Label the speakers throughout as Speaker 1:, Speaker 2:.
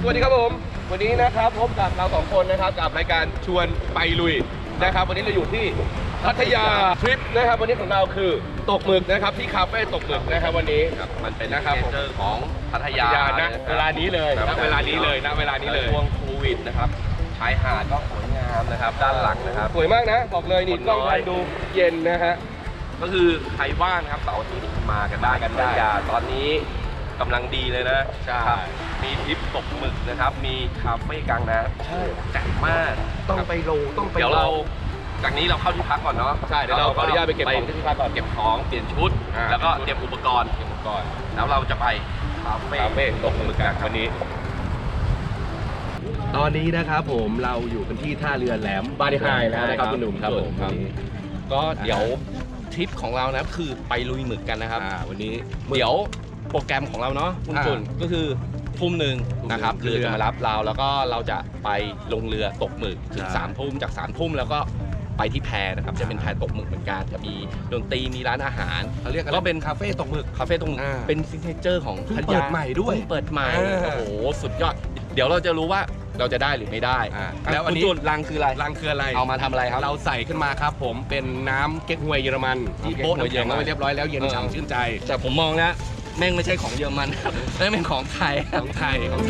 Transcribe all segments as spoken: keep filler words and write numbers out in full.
Speaker 1: วัสดีครับผมวันนี้นะครับพบกับเราสองคนนะครับกับรายการชวนไปลุยนะครับวันนี้เราอยู่ที่พัทยาทริปนะครับวันนี้ของเราคือตกหมึกนะครับที่คาเฟ่ตกหมึกนะครับวันนี้
Speaker 2: มันเป็น
Speaker 1: นะครับ
Speaker 2: เจอของพัทยา
Speaker 1: นะเวลานี้เลยนะเวลานี้เลยนะเวลานี้เลย
Speaker 2: ช่วงโควิดนะครับชายหาดก็สวยงามนะครับด้านหลังนะครับ
Speaker 1: สวยมากนะบอกเลยนี่กล้องถ่ายดูเย็นนะฮะ
Speaker 2: ก็คือใครว่างครับเสาร์อาทิตย์มากันได้กันได้ตอนนี้กำลังดีเลยนะ
Speaker 1: ใช่
Speaker 2: มีทริปตกหมึกนะครับมีคาเฟ่กลางน้ำ
Speaker 1: ใช่
Speaker 2: แจ่มมาก
Speaker 1: ต้องไปลงต้องไป
Speaker 2: เดี๋ยวเราจากนี้เราเข้าที่พักก่อนเนาะ
Speaker 1: ใช่เดี๋ยวเราขออนุญาตไปเก็บของที่พักก่อน
Speaker 2: เก็บของเปลี่ยนชุดแล้วก็เตรียมอุปกรณ์
Speaker 1: เตรียมอุปกรณ์
Speaker 2: แล้วเราจะไปคาเฟ่
Speaker 1: คาเฟ่ตกหมึกกันวันนี้ตอนนี้นะครับผมเราอยู่กันที่ท่าเรือแหลมบาริไฮแล้วนะครับคุณหนุ่มครับผม
Speaker 2: ก็เดี๋ยวทริปของเรานะคือไปลุยหมึกกันนะครับ
Speaker 1: วันนี้
Speaker 2: เดี๋ยวโปรแกรมของเราเนาะคุณตุ่นก็คือทุ่มหนึ่งนะครับเรือจะมารับเราแล้วก็เราจะไปลงเรือตกหมึกถึงสามทุ่มจากสามทุ่มแล้วก็ไปที่แพนะครับจะเป็นแพตกหมึกเหมือนกันจะมีดนตรีมีร้านอาหาร
Speaker 1: เขาเรียก
Speaker 2: ก็เป็น
Speaker 1: คาเฟ่ตกหมึก
Speaker 2: คาเฟ่ตกหมึกเป็นซิกเนเจอร์ของพัทยา
Speaker 1: เปิดใหม่ด้วย
Speaker 2: เปิดใหม่โอ้โหสุดยอดเดี๋ยวเราจะรู้ว่าเราจะได้หรือไม่ได้
Speaker 1: แล้วอันนี้
Speaker 2: รังคืออะไร
Speaker 1: รังคืออะไร
Speaker 2: เอามาทำอะไรครับ
Speaker 1: เราใส่ขึ้นมาครับผมเป็นน้ำเก๊กฮวยเยอรมันที่โป๊ะน้ำแข็งไว้เรียบร้อยแล้วเย็นฉ่ำชื่นใจ
Speaker 2: แต่ผมมองแล้วแม่งไม่ใช่ของเยอรมันครับแม่งเป็นของไทย
Speaker 1: ของไทยของ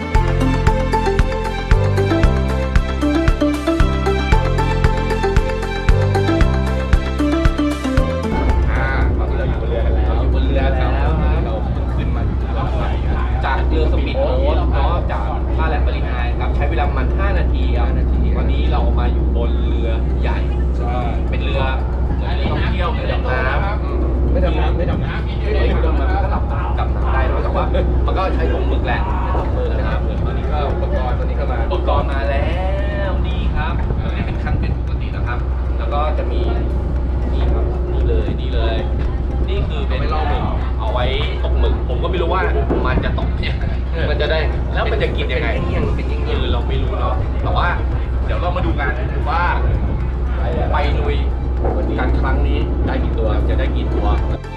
Speaker 2: จากเรือสปีดโบ๊ทเนาะจากท่าแหลมบาริไฮครับใช้เวลาประมาณห้านาทีครับวันนี้เรามาอยู่บนเรือใหญ่เป็นเรือเรือท่องเที่ยวเรือดำน้ำ
Speaker 1: ไม่ดำน้ำไม่ดำน้ำ
Speaker 2: ไม่ดำน้ำก็หลับดำน้ำได้นะแต่ว่ามันก็ใช้ตกหมึกแหละตกหมึกนะครับ
Speaker 1: ตอนนี้ก็อุปกรณ์ตอนนี้ก็มา
Speaker 2: อุปกรณ์มาแล้วนี่ครับนี่เป็นคันเป็นปกตินะครับแล้วก็จะมีนี่ครับนี่เลยนี่เลยนี่คือเป็นล่อหมึกเอาไว้ตกหมึกผมก็ไม่รู้ว่ามันจะตกเนี่ยมันจะได้แล้วมันจะกินยังไงเป็นยังไงเราไม่รู้เนาะแต่ว่าเดี๋ยวเรามาดูกันว่าไปลุยกันครั้งนี้ได้กี่ตัวจะได้กี่ตัว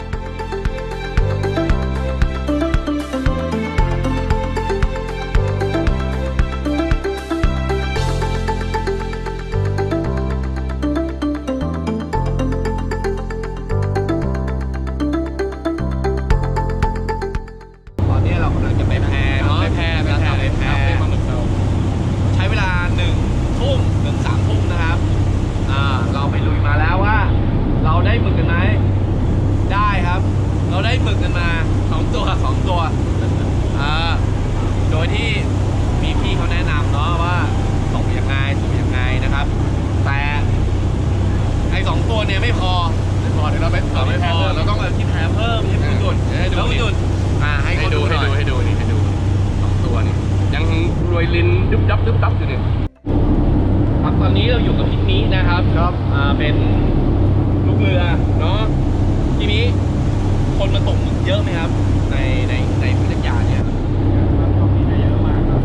Speaker 2: เป็นลูกเรือเนาะทีนี้คนมาตกหมึกเยอะไหมครับในในในพัทยาเนี่ยตอนนี้เยอะมากครับ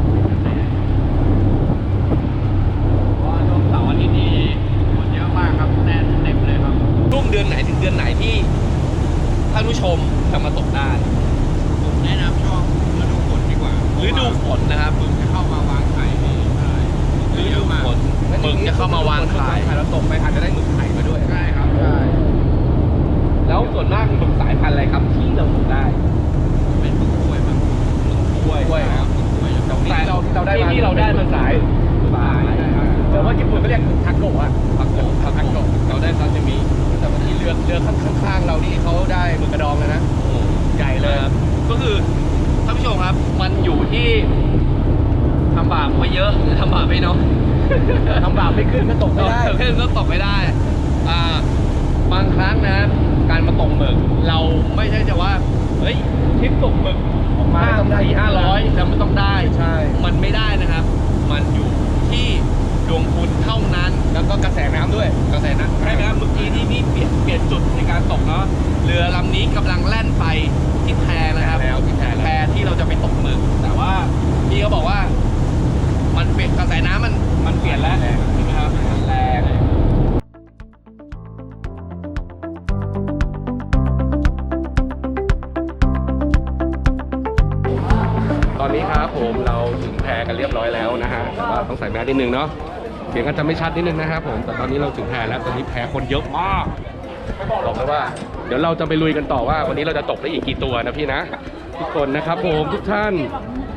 Speaker 2: ว่าช่วงเสาร์อาทิตย์นี้คนเยอะมากครับแน่นเต็มเลยครับช่วงเดือนไหนถึงเดือนไหนที่ท่านผู้ชมจะมาตกได้ผมแนะนำช่วงฤดูฝนดีกว่าฤดูฝนนะครับหมึกจะเข้ามาวางไข่ในฤดูฝนหมึกจะเข้ามาวางไข่
Speaker 1: เราตกไปอาจจะได้หมึกไข่มาด้วย
Speaker 2: ใช่ครับใช่แล้วส่วนมากหมึกสายพันธุ์อะไรครับที่เราตกได้เป็นหมึกกล้วยครับหมึกกล้วย
Speaker 1: กล้วยครับ
Speaker 2: แต่เราที่เราได้ที่เราได้มันสายสายแต่ว่าญี่ปุ่นก็เรียกทาโกะอะทาโกะทาโกะเราได้ซาซิมิแต่ว่าที่เรือเรือข้างๆเรานี่เขาได้หมึกกระดองเลยนะใหญ่เลยก็คือท่านผู้ชมครับมันอยู่ที่ทำบาปไม่เยอะหรือทำบาปไม่น้อย
Speaker 1: ทำบาปไม่ขึ้นก็ตกไม่ได้
Speaker 2: ขึ้นก็ตกไม่ได้อ่าบางครั้งนะการมาตกหมึกเราไม่ใช่จะว่าเฮ้ยทริปตกหมึกออกมาต้องได้ห้าร้อยแล้วมันต้องได้
Speaker 1: ใช่
Speaker 2: มันไม่ได้นะครับมันอยู่ที่ดวงคุณเท่านั้น
Speaker 1: แล้วก็กระแสน้ำด้วย
Speaker 2: กระแสน้ำใช่ไหมครับเมื่อกี้ที่นี่เปลี่ยนเปลี่ยนจุดในการตกเนาะเรือลำนี้กำลังแล่นไปที่แพนะครับแพที่เราจะไปตกหมึกแต่ว่าพี่เขาบอกว่ามันเปลี่ยนกระแสน้ำมันมันเปลี่ยนแล้วใช่ไหมครับแรง
Speaker 1: ตอนนี้ครับผมเราถึงแพกันเรียบร้อยแล้วนะฮะแต่ว่าต้องใส่แมสนิดนึงเนาะเสียงก็จะไม่ชัดนิดนึงนะครับผมแต่ตอนนี้เราถึงแพแล้วตอนนี้แพคนเยอะมากบอกเลยว่าเดี๋ยวเราจะไปลุยกันต่อว่าวันนี้เราจะตกได้อีกกี่ตัวนะพี่นะทุกคนนะครับผมทุกท่าน